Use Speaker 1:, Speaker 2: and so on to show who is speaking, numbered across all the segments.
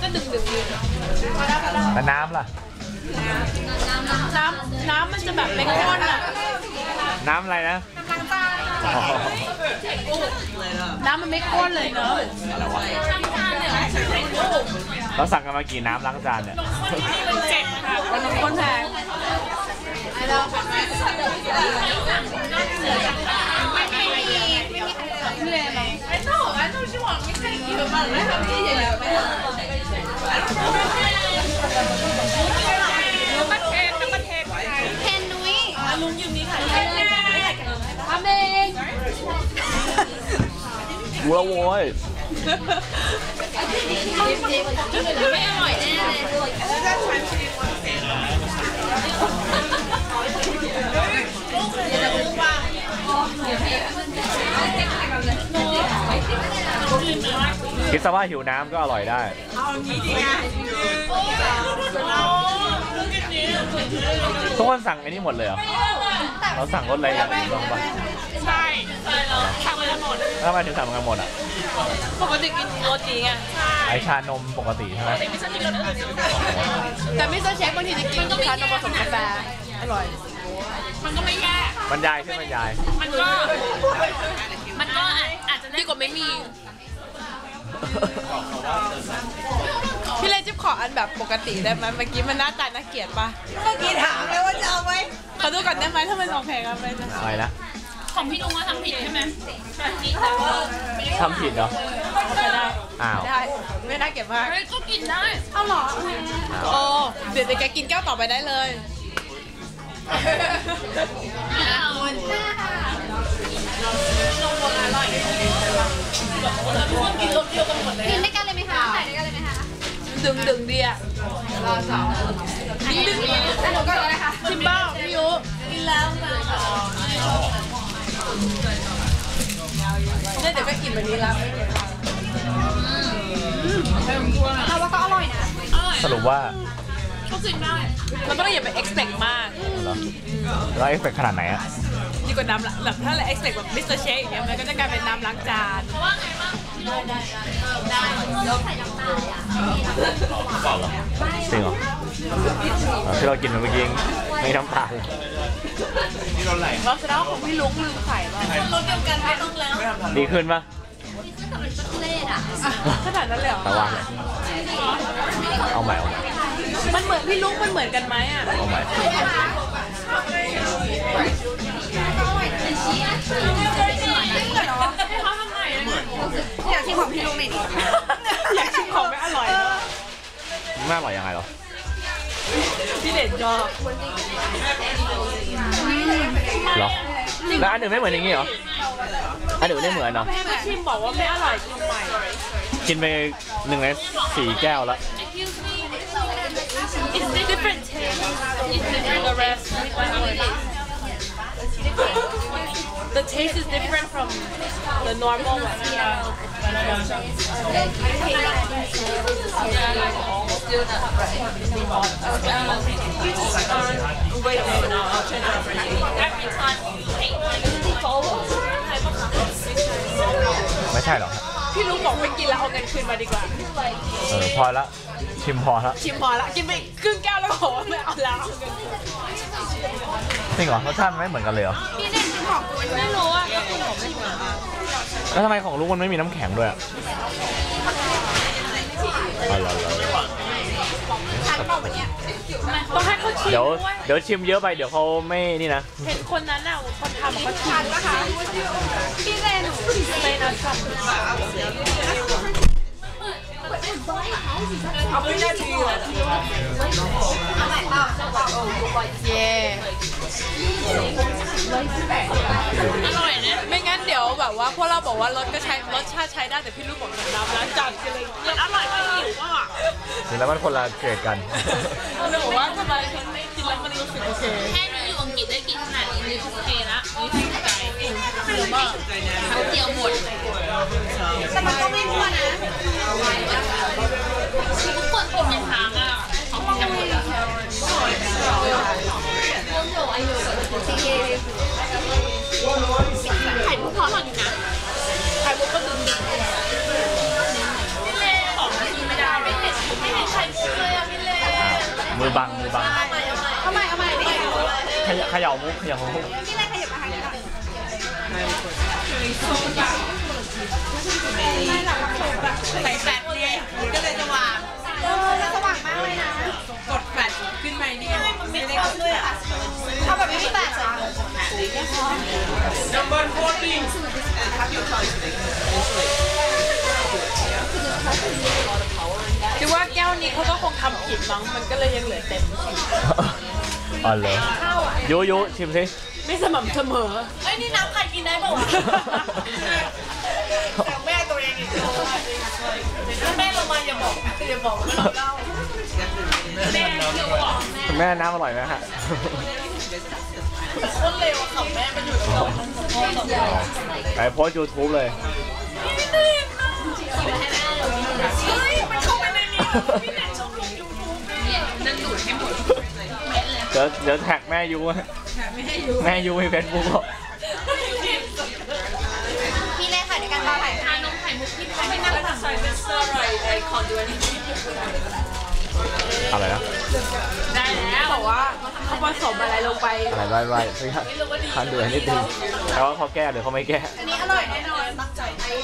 Speaker 1: ก็ดึงอยู่
Speaker 2: แต่น้ำล่ะ
Speaker 1: น้ำมันจะแบบเป็นก้อนอะ
Speaker 2: น้ำอะไรนะ
Speaker 1: น้ำมันไม่ก้อนเลยเนอะ
Speaker 2: เราสั่งกันมากี่น้ำล้างจานเนี่ย
Speaker 1: 7ค่ะคนแพงลุงยืมนี้ค่ะทำเอง
Speaker 2: กูแล้วโว้ย
Speaker 1: ไม่อร่อยแน่เลย
Speaker 2: คิดซะว่าหิวน้ำก็อร่อยได้ทุกคนสั่งไอ้นี่หมดเลยเหรอเราสั่งรสอะไรอย่างอื่นบ้างปะ
Speaker 1: ใช่สั่งไปหมด
Speaker 2: แล้วทำไมถึงสั่งกันหมดอ่ะ
Speaker 1: ปกติกินโรตีไง
Speaker 2: ไอชานมปกติใช่ไหม
Speaker 1: แต่มิสเตอร์เชฟบางทีจะกินชานมผสมกาแฟอร่อยมันก็ไม่แย่
Speaker 2: บรรยายใช่บรรยาย
Speaker 1: มันก็อาจจะดีกว่าไม่มีพี่เลยจิ๊บขออันแบบปกติได้ไหมเมื่อกี้มันหน้าตาน่าเกลียดปะเมื่อกี้ถามเลยว่าจะเอาไหมขอดูก่อนได้ไหมถ้ามันโอเคกันไปนะ
Speaker 2: อะไรนะ
Speaker 1: ของพี่ลุงว่าทำผิดใช่ไหม
Speaker 2: ทำผิดเหรอ
Speaker 1: โอเคได้
Speaker 2: อ้าว
Speaker 1: ได้ไม่น่าเกลียดมากก็กินได้เอาหรอโอ้เดี๋ยวแกกินแก้วต่อไปได้เลยกินรสเดียวกันหมดเลยกินได้กันเลยไหมคะถ่ายได้กันเลยไหมคะดึงดีอ่ะรอสองดึงแล้วหนูก็เลยค่ะชิมบ้าพี่ยุกินแล้วเนี่ยเดี๋ยวก็กินแบบนี้แล้วเราว่าก็อร่อยนะ
Speaker 2: สรุปว่า
Speaker 1: ก็กินได้เราไม่ต้องอย่าไป expect มาก
Speaker 2: แล้ว expect ขนาดไหนอะ
Speaker 1: ดีกว่าน้ำแบบถ้าเรา expect แบบมิสเตอร์เชคอย่างเงี้ยมันก็จะกลายเป็นน้ำล้างจานว่าไงบ้างได้แล้วใส่น้ำตาล
Speaker 2: จริงเหรอที่เรากินเมื่อกี้ไม่น้ำตาล
Speaker 1: เราแสดงว่าของพี่ลุงลืมไข่ป่ะรสเดียวกันไม่ต้องแล้ว
Speaker 2: ดีขึ้นปะ
Speaker 1: ขนาดนั้นเลยเหรอ
Speaker 2: แต่ว่าเอาใหม่
Speaker 1: มันเหมือนพี่ลุงมันเหมือนกันไหมอ่ะ
Speaker 2: เอาใหม่
Speaker 1: อยากชิมของพี่ลุงหน่อยดิอยากชิมของไม่อร่อย
Speaker 2: ไม่อร่อยยังไงหรอ
Speaker 1: พี่เด่นชอบ
Speaker 2: หรอแล้วอันหนึ่งไม่เหมือนอย่างงี้เหรออันหนึ่งไม่เหมือนเนาะ
Speaker 1: ชิมบอกว่าไม่อร่อยทำไม
Speaker 2: กินไป1 ใน 4 แก้วแล้ว
Speaker 1: It's different taste. It's different the rest. The taste is different from the normal one. Wait a minute, I'll turn it over. Every time you hate follow.
Speaker 2: ไม่ใช่หรอ
Speaker 1: พี่ลุงบอกไปกินแล้วเอาเงินคืนมาดีกว่า
Speaker 2: พอละชิมพอละ
Speaker 1: กินไปครึ่งแก้วแล้วขอไม่เอาแล้ว
Speaker 2: จริงเหรอรสชาติไม่เหมือนกันเลยเหรอ
Speaker 1: พี่เด่นกินของกูไม่รู้อ่ะก็คุณผมไม่เหมือน
Speaker 2: แล้วทำไมของลุงมันไม่มีน้ำแข็งด้วย
Speaker 1: ต้องให้เขาชิม
Speaker 2: เดี๋ยวชิมเยอะไปเดี๋ยวเขาไม่นี่นะ
Speaker 1: เห็นคนนั้นน่ะคนทำเขาชิมนะคะพี่เรนนะชอบเอาไปได้ทีเลยเย่อร่อยนะไม่งั้นเดี๋ยวแบบว่าพวกเราบอกว่ารสชาติใช้ได้แต่พี่ลูกบอกน้ำล้างจานกันเลยมันอร่อยมากหิวอ่ะ
Speaker 2: จริงแล้วมันคนละเกรดกัน
Speaker 1: เราบอกว่าทำไมฉันไม่กินแล้วมันรู้สึกโอเคแค่นี้อยู่อังกฤษได้กินขนาดนี้นี่โอเคละนี่ถูกใจเยอะมากเขาเดียวหมดแต่มันก็ไม่พอนะทุกคนกินเป็นทางอ่ะเขากินกันหมดไข่มุกพอหน่อยนะไข่มุกก็ดึงนี่เลยบอกกินไม่ได้ไม่เผ็ด
Speaker 2: ขย่ามุกเขย่ามุก
Speaker 3: พี่เล่นขยับมาทางนี้ก่อนไม่หลับรับชมแบบ
Speaker 1: ใส่แฟลชเนี่ยก็เลยจะวาง
Speaker 3: แล้วสว่างมากเลยนะ
Speaker 1: กดแฟลชขึ้นมาเนี่ยมันไม่ได้
Speaker 3: ด้วยอ่ะเอาแบบไม่มีแตกเหรอ
Speaker 1: Number 14
Speaker 4: คิดว่าแก้วนี้เขาก็คงทำผิดมั้งมันก็เลยยังเหลือเต็ม
Speaker 2: อ๋อเหรอยุชิมสิ
Speaker 4: ไม่สม่ำเสมอ
Speaker 1: เอ้ยนี่น้ำใครกินได้ป่าวะแต่แม่ตัวเองอีกแม่ลงมาอย่าบอกว่าเราเล่าแม่เที่ยวบอก
Speaker 2: คุณแม่น้ำอร่อยไหมฮะ
Speaker 1: คนเลวขับแม่มันอยู่ตรงนั้น
Speaker 2: ไปโพสยูทูบเลย
Speaker 1: เฮ้ยมันเข้าไปในนี้พี่แนนชอบลงยูทูบเนี่ยนั่นดูดให้หมด
Speaker 2: เดี๋ยวแท็กแม่ยูแม่ยูในเฟซบุ๊ก
Speaker 3: พี่เล่นค่ะในการบ้านถ่าย
Speaker 1: ชานมไข่มุกที่ไทยไม่น่าจะใส่เบสเซอร์อะไรไอคอนดูอันนี้
Speaker 2: อะไรนะ
Speaker 1: ได้แล้ว
Speaker 4: บอกว่าเขาผสมอะไรลงไป
Speaker 2: อะไรไว้ไม่ทันดูนิดนึงแต่ว่าเขาแก้หรือเขาไม่แก้
Speaker 3: อันนี้อร่อยแน่นอน
Speaker 1: ตั้งใจ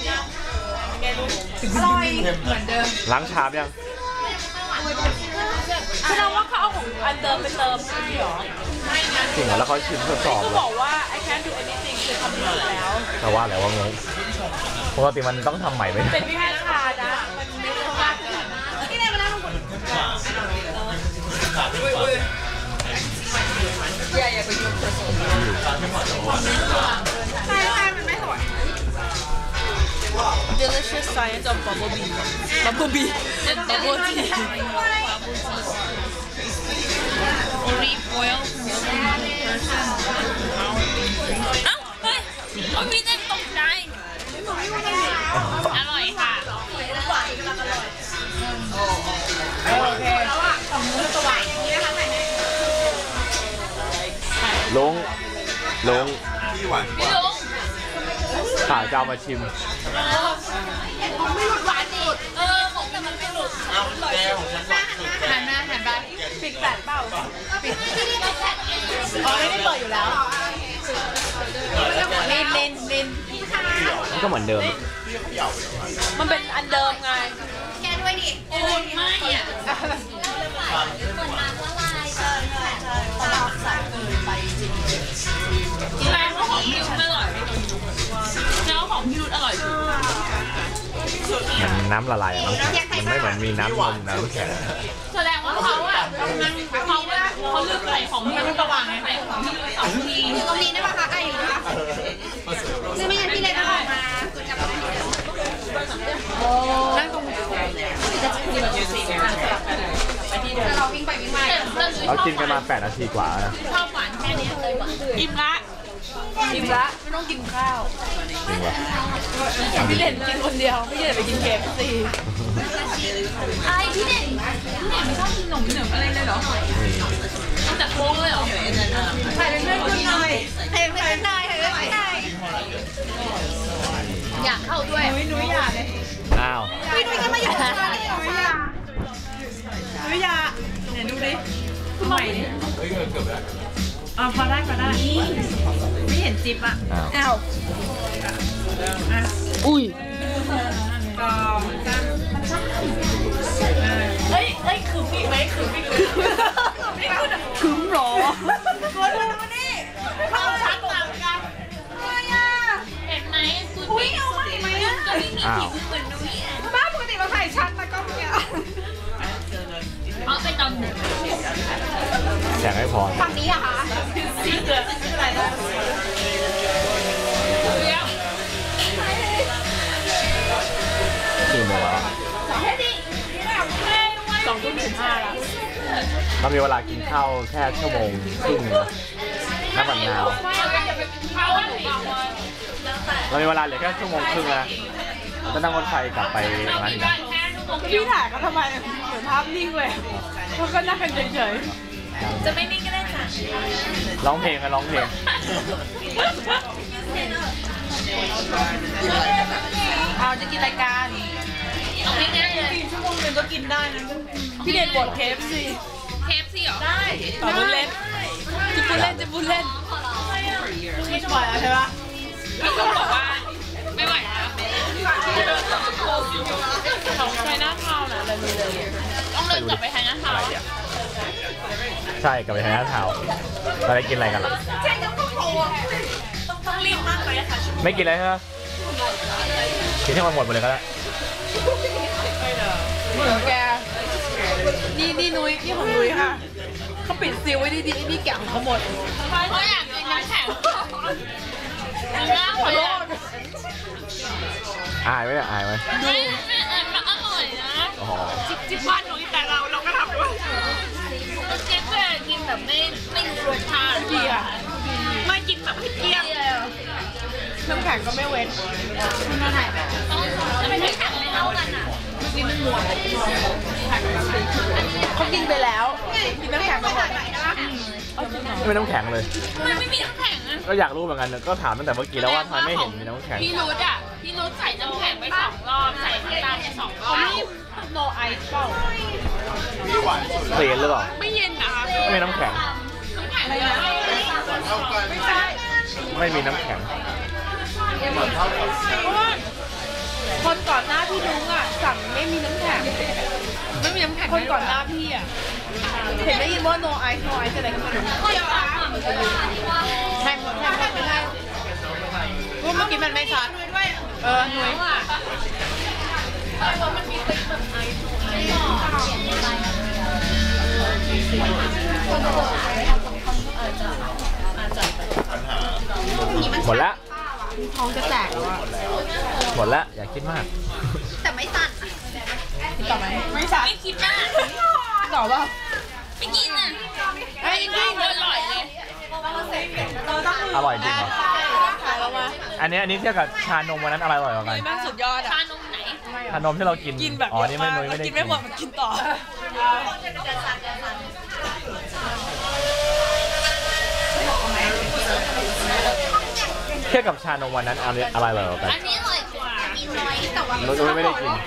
Speaker 3: อร่อย
Speaker 1: เหมือนเดิม
Speaker 2: ล้างชามยัง
Speaker 4: แสดงว่าเขาเอาของอันเดิมไปเติมใช่หรอ
Speaker 2: จริงเหรอแล้วเขาชิมทดสอบ
Speaker 4: ก็
Speaker 2: เลย
Speaker 4: บอกว่า I can't do anything คือทำผิดแล้ว
Speaker 2: แต่ว่าอะไรวะงงปกติมันต้องทำใหม่ไหม
Speaker 4: เป็นแค่ชานะมันไม่ได้ว่า
Speaker 3: พี่เล่นมานั่งลงบน
Speaker 1: อย่าไปยุ่งเธอ
Speaker 3: ใช่มันไม่สวย
Speaker 4: delicious science of bubble bee bubble tea
Speaker 1: โอลีฟออยล์เอ้าเฮ้ยเอาพี่เต้นตกใจอร่อยค่ะโอเคแล้วอ่ะของมือสว่างอย่างนี้นะคะไหน
Speaker 2: ลุง
Speaker 1: พี่ลุง
Speaker 2: ข่าวจะเอามาชิม
Speaker 3: ของไม่หลุดหวานสุด
Speaker 1: ของแต่มันไม่หลุดหันไปปิดแปดเปล่าปิดอ๋อไม่ได้เปิดอยู่แล้วลิน
Speaker 2: มันก็เหมือนเดิม
Speaker 4: มันเป็นอันเดิมไง
Speaker 3: แกด้วยดิ
Speaker 1: โอ้ยไม่อ่ะแม่ของพี่รุ้อร่อยแล้วของพี่รุ้อร่อยสุด
Speaker 2: มันน้ำละลายอะน้ำแข็งมันไม่เหมือนมีน้ำนมน้ำแข็ง
Speaker 1: แสดงว่าเขาอ่ะเขาเลือกใส่ของพี่รุ้สว่างไงใส่ของพี่รุ้สองที
Speaker 3: อยู่ตรงนี้ได้ปะคะไอ้อยู่นะซึ่งไม่งั้นพี่เล่นจะออกมาจับนั่งตรงแต่เราวิ่งไปวิ่งมา
Speaker 2: เรากินกันมา8 นาทีกว่านะ
Speaker 1: ชอบหวานแค่นี้เลยหวาน
Speaker 4: อิ่มละไม่ต้องกินข้าว
Speaker 2: จริงวะ
Speaker 4: พี่เด่นกินคนเดียวพี่เด่นไปกินเคฟซี
Speaker 1: ไอพี่เด่นไม่ชอบกินขนมเหนืออะไรเลยเหรอตั้งแต่โค้งเลยเหรอ
Speaker 3: ถ่ายเป็นเพื่อนคุณหน่อยถ่ายเป็นเพื่อนหน่อยถ่ายเป็นเพื่อนหน่อย
Speaker 1: อยากเข้าด้วย
Speaker 3: นุ้ยอยากเลย
Speaker 2: อ้าว
Speaker 3: พี่นุ้ยก็มาอยู่กับเราเลยนุ้ยอยากนุ้ยอยากไหนดูดิใหม่ดิพอได้ไม่เห็นจิ๊บอ่ะ
Speaker 2: อ้าว
Speaker 3: อ้าว
Speaker 4: อุ้ย
Speaker 3: กองจ้า
Speaker 1: เฮ้ยคือพี่ไหมคือพี่คือ
Speaker 4: ถึงหรอ
Speaker 3: ตัวดูนี่เราชัดต่างกันอะไรอ่ะ
Speaker 1: เห็นไหมคุณ
Speaker 3: อุ้ย
Speaker 1: พี่
Speaker 3: เอาใหม่ไหมอ่ะ
Speaker 1: ก็ไม่มีผิวเหมือนนุ้ยอ่ะ
Speaker 3: บ้าปกติเราถ่ายชัดแต่ก็เนี่ย
Speaker 1: เอาไปตอนหนึ่ง
Speaker 2: แสงไม่พอ
Speaker 3: ฝั่งนี้อะคะ
Speaker 1: สีเหลืองอะไรนะเดี๋ยว
Speaker 2: กี่โมงแล้ว
Speaker 4: 2:15แล้ว
Speaker 2: เรามีเวลากินข้าวแค่ชั่วโมงครึ่งนะน้ำบันนาว
Speaker 1: เขาว่าหนูบอกว่า
Speaker 2: เรามีเวลาเหลือแค่ชั่วโมงครึ่งนะจะนั่งรถไฟกลับไป
Speaker 1: เรา
Speaker 2: ร้าน
Speaker 1: มี
Speaker 2: อีก
Speaker 1: กา
Speaker 2: นะ
Speaker 1: รแค่ชั่วโมงเดี
Speaker 4: พี่
Speaker 1: ยว
Speaker 4: ถ่ายเขาทำไมเหมือนภาพนิ่งเลยเขาก็นั่งกันเฉย
Speaker 1: จะไม่นิ่งก็ได้ค่ะ
Speaker 2: ร้องเพลงกันร้องเพลง
Speaker 4: ๆเอาจะกินรายการ
Speaker 1: เอาไม่ง่ายเลย
Speaker 4: ชั่วโมงนึงก็กินได้นะพี่เด่นบดเคฟซี
Speaker 1: เคฟซี่เหรอได้
Speaker 4: ต่อรุ่นเล็ก
Speaker 3: ไ
Speaker 4: จะพูดเล่นจะพูดเล่น
Speaker 3: ไม่ไหวแล้วใช่ปะ
Speaker 1: พี่ก็บอกว่าไม่ไหวแล้ว
Speaker 4: ของไชน่าทาวน์นะเลยมีเลย
Speaker 1: ต้องเดินกลับไปทางนั้น
Speaker 2: อะไร
Speaker 1: ค่ะ
Speaker 2: เดี๋ยวใช่กลับไปทางหน้าเท้าเราได้กินอะไรกันล่ะ
Speaker 4: ต้องรีบมากเลยค่ะ
Speaker 2: ไม่กินอะไรใช่ไหมกินให้มันหมดเลยก็ได้
Speaker 4: เหมือนแกนี่นุ้ยนี่ของนุ้ยค่ะเขาปิดซีลไว้ดีๆนี่แกะของเขาหมด
Speaker 1: เพราะอยากกินน้ำแข็งน้ำขอโทษ
Speaker 2: อายไหมเนี่ยอายไหม
Speaker 1: มันอร่อยนะ
Speaker 2: อ๋อ
Speaker 4: จิ๊บบ้านนุ้ยแต่เราก็ทำด้วย
Speaker 1: เจ๊ก็กินแบบไม่รู้รสชาติ
Speaker 4: ดีอ่ะไม่กินแบบให้เกลี้ยงน้ำแข็งก็ไม่เว้น
Speaker 1: ต้องไม่แข็งไม่เท่ากันอ่ะ
Speaker 4: เขากินไปแล้วกินน้ำแข็งไปหมด
Speaker 2: ไม่น้ำแข็งเลย
Speaker 1: มันไม่มีน้ำแข็งอ่ะ
Speaker 2: ก็อยากรู้เหมือนกันก็ถามตั้งแต่เมื่อกี้แล้วว่าทำไมไม่เห็นมีน้ำแข็ง
Speaker 1: พี่รุดอ่ะพี่รุดใส่น้ำแข็งไป2 รอบใส่ข้างล่างไป2 รอบ
Speaker 4: นี่ no ice เปล่า
Speaker 2: เปลี่ยนหรือเปล่า
Speaker 4: ไม่เย็นนะคะ
Speaker 2: ไม่มีน้ำแข็ง
Speaker 1: น้ำแข็งเลยนะ
Speaker 4: ไม่ใช่
Speaker 2: ไม่มีน้ำแข็ง
Speaker 4: เพราะว่าคนก่อนหน้าพี่นุ้งอ่ะสั่งไม่มีน้ำแข็งไม่มีน้ำแข็งคนก่อนหน้าพี่อ่ะเห็นได้ยินว่า no ice no ice อะไรก็ไม่รู้แทงไม่ได้เพราะเมื่อกี้มันไม่ชัดหน่วยว่ะ
Speaker 2: หมดละ
Speaker 4: ท้องจะแตกแล้วอ่ะ
Speaker 2: หมดละอย่าคิดมาก
Speaker 1: แต่ไม่สั่น
Speaker 4: ต่อไหมไม่ชัด
Speaker 1: ไม่คิดมาก
Speaker 4: ต่อป่ะ
Speaker 1: ไม่กินอ่ะ
Speaker 4: ไอ้จริง
Speaker 1: อร่อยเลย
Speaker 2: อร่อยจริงเหรอ
Speaker 4: แล้วมา
Speaker 2: อันนี้เทียบกับชานมวันนั้นอะไรอร่อยกว่ากัน
Speaker 4: แม่งสุดยอดอ่ะ
Speaker 1: ชานมไหน
Speaker 2: ชานมที่เรากิน
Speaker 4: กินแบบ
Speaker 2: อ๋อนี่ไม่นุ้ยไม่ได้
Speaker 4: กินไม่หมดมันกินต่อ
Speaker 2: เทียบกับชานมวันนั้นอะไรอร่อยกว่ากัน
Speaker 1: อันนี้อร่อยกว่ากินน้อยแต่ว่า
Speaker 2: นุ้ยไม่ได้กิน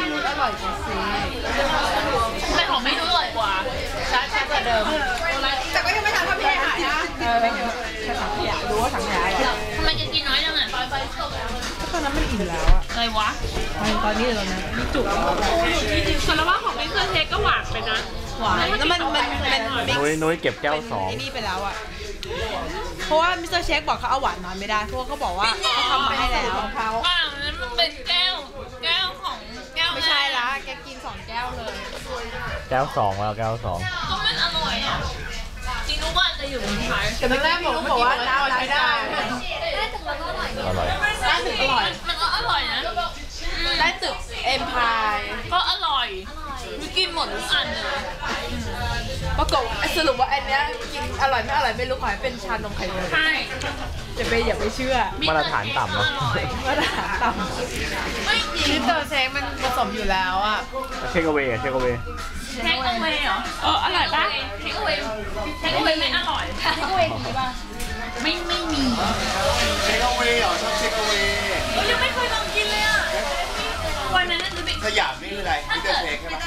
Speaker 1: แต่ของไม่รู้อร่อยกว่า
Speaker 4: ช้ากว่าเดิม
Speaker 3: แต่ก็ยังไม่ทันทำพี่หายนะ
Speaker 4: ไม่เยอะแค่ถังขยะรู้ว่าถังขยะ
Speaker 1: ทำไมจะกินน้อยจังอ่ะ
Speaker 4: ตอนนั้นมันอิ่มแล้วอ่ะ
Speaker 1: อะไรวะ
Speaker 4: ตอนนี้เลยนะนี่จุกส่วนละว่าของมิสเตอร์เชคก็หวานไปนะหวานแล้วมัน
Speaker 2: นุ้ยเก็บแก้ว
Speaker 4: ไอ้นี่ไปแล้วอ่ะเพราะว่ามิสเตอร์เชคบอกเขาเอาหวานน้อยไม่ได้เพราะว่าเขาบอกว่าเขาทำมาให้แล้วของเขา
Speaker 1: ว่างนั้นมันเป็นแก้วของแก้ว
Speaker 4: ไม่ใช่ละแกกิน2 แก้วเลย
Speaker 2: แก้ว 2แล้วแก้ว 2
Speaker 1: ก็มันอร่อยอ่ะจริงรู้ว่าจะอยู่บนท้าย
Speaker 4: แต่ไม่ได้บอกว่าน้ำใช้ได้
Speaker 2: อร่อย
Speaker 4: ได้ถึงอร่อย
Speaker 1: มันก็อร่อยนะ
Speaker 4: ได้ตึกเอ็มพาย
Speaker 1: ก็อร่อยมีกินหมดทุกอันเลย
Speaker 4: ปรากฏสรุปว่าอันเนี้ยกินอร่อยไม่อร่อยไม่รู้ขอให้เป็นชานมไข่มุก
Speaker 1: ใช่
Speaker 4: อย่าไปเชื่อ
Speaker 2: มาตรฐานต่ำเนอะ
Speaker 4: มาตรฐานต่ำ
Speaker 1: ไม่จริง
Speaker 4: มิสเตอร์เชคมันผสมอยู่แล้วอ่ะ
Speaker 2: เทคเอาเวย์เทคเอาเวย์
Speaker 1: เทคเอาเวย์เหรออร่อยปะเทคเอาเวย์ไม่อร่อยเทคเอาเวย์ดีป่ะไม่มี
Speaker 5: เทคเอาเวย์เหรอชอบเทคเอาเวย์
Speaker 1: ยังไม่เคยลองกินเลยอ่ะวันนั้นจะไป
Speaker 5: สยามนี่คืออะไรมิสเตอร์เทคใช่ไหม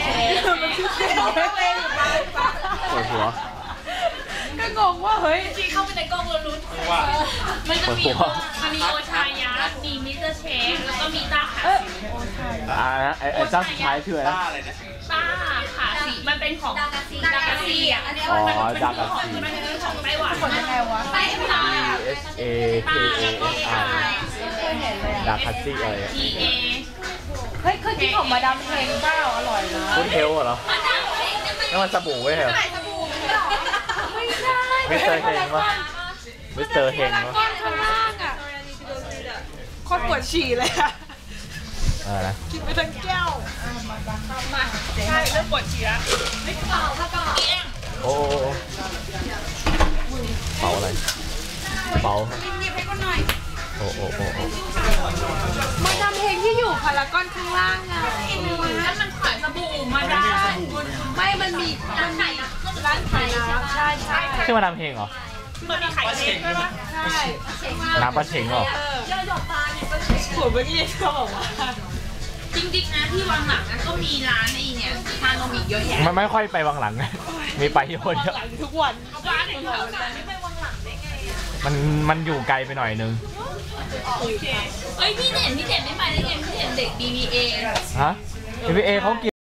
Speaker 2: ปวดหัว
Speaker 4: ก็งงว่าเฮ้ย
Speaker 1: ที่เข้าไปในกล้องเรารู้
Speaker 5: ว่า
Speaker 1: มันจะมีมันมีโอชายะมีมิสเตอร์เชคแล้วก็มีต้าขาสี
Speaker 2: ไอ้เจ้าสุดท้ายชื่ออะไร
Speaker 5: ต้า
Speaker 2: นะ
Speaker 5: อะไรนะ
Speaker 1: ต้าขาสีมันเป็นของดากาซีอ่ะ
Speaker 2: อ๋อดากาซี
Speaker 1: มันเป็นของไต้หวัน
Speaker 4: คนยังไงวะ
Speaker 1: ไต้หวัน
Speaker 2: S A K A S I ดาคัตซี่อะไร
Speaker 1: T A
Speaker 4: เฮ้ยเคยกินของมาดามเพลงเปล่าอร่อยนะ
Speaker 2: ฟุตเทลเหรอ
Speaker 1: มาดามเพลงเนี่ยมัน
Speaker 2: นั่นมันสบู่ไว้เหรอ
Speaker 1: ไม่ใช่
Speaker 2: มิสเตอร์เฮงวะมิสเตอร์เฮงวะ
Speaker 4: ก้อนข้างล่างอ่ะโคตรปวดฉี่เลยอ่ะ
Speaker 2: อะไรนะ
Speaker 4: กินไปทั้งแก้วใช่เริ่มปวดฉี่แล้ว
Speaker 2: โอ้เป๋าอะไรเป๋าโอ้
Speaker 4: มาดามเพลงที่อยู่พารากอนข้างล่างอ่ะ
Speaker 1: แล้วมันขายสบู่มาได้
Speaker 4: ไม่มันมีร้านขายน้ำใช่ใช่
Speaker 2: ชื่อมาดามเพลงเหรอ
Speaker 1: มันมีไข่เค็มด้วยปะ
Speaker 4: ใช่
Speaker 2: น้ำปลาเชงเหรอ
Speaker 4: หัวเมื่อกี้เขาบอกว่า
Speaker 1: จริงๆนะที่วังหลังนะก็มีร้านไอ้เนี่ยชานมอีกเยอะแยะ
Speaker 2: มันไม่ค่อยไปวังหลัง มีไปที่คนเดียว
Speaker 4: ทุกวัน
Speaker 1: ร้านไหนแถวนั้นไม่ไปวังหลังได้ไง
Speaker 2: มันอยู่ไกลไปหน่อยนึง
Speaker 1: เฮ้ยพี่เด่นไม่ไปได้ไงพี่เด่นเด็ก BBA
Speaker 2: ฮะ BBA เขากิน